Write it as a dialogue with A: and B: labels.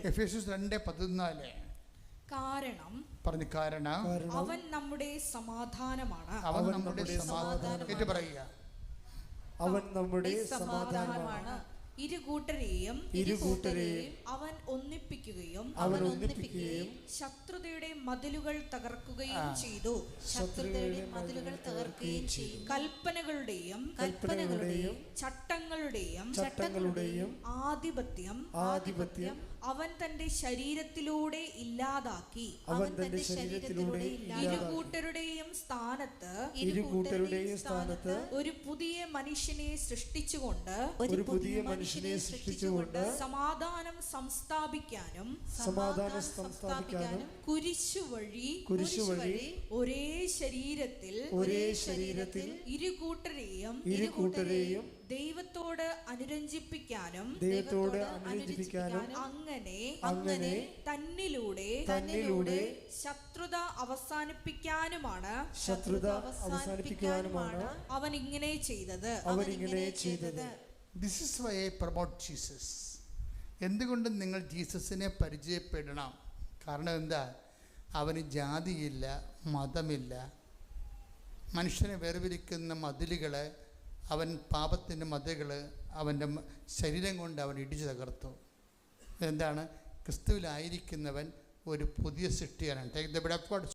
A: എഫേസ്യസ് 2:14.
B: കാരണം അവൻ നമ്മുടെ സമാധാനമാണ്.
A: അവൻ നമ്മുടെ സമാധാനം. ഏറ്റു പറയുക,
C: അവൻ നമ്മുടെ സമാധാനമാണ്.
B: ഇരുകൂട്ടരെയും അവൻ ഒന്നിപ്പിക്കുകയും ശത്രുതയുടെ മതിലുകൾ തകർക്കുകയും ചെയ്തു. കൽപ്പനകളുടെയും ചട്ടങ്ങളുടെയും ആധിപത്യം അവൻ തന്റെ ശരീരത്തിലൂടെ ഇല്ലാതാക്കി. ഇരുകൂട്ടരുടെയും സ്ഥാനത്ത് ഒരു പുതിയ മനുഷ്യനെ സൃഷ്ടിച്ചുകൊണ്ട് സമാധാനം സംസ്ഥാപിക്കാനും കുരിശുവഴി ഒരേ ശരീരത്തിൽ ഇരുകൂട്ടരെയും ദൈവത്തോട് അനുരഞ്ജിപ്പിക്കാനും അങ്ങനെ തന്നിലൂടെ ശത്രുത അവസാനിപ്പിക്കാനുമാണ് അവൻ ഇങ്ങനെ ചെയ്തത്.
A: This is why I promote Jesus. എന്തുകൊണ്ടും നിങ്ങൾ ജീസസിനെ പരിചയപ്പെടണം. കാരണം എന്താ? അവന് ജാതിയില്ല, മതമില്ല. മനുഷ്യനെ വേർതിരിക്കുന്ന മതിലുകൾ, അവൻ പാപത്തിൻ്റെ മതിലുകൾ അവൻ്റെ ശരീരം കൊണ്ട് അവൻ ഇടിച്ചു തകർത്തു. എന്താണ്? ക്രിസ്തുവിലായിരിക്കുന്നവൻ ഒരു പുതിയ സൃഷ്ടിയാണ്. Take the bread of God.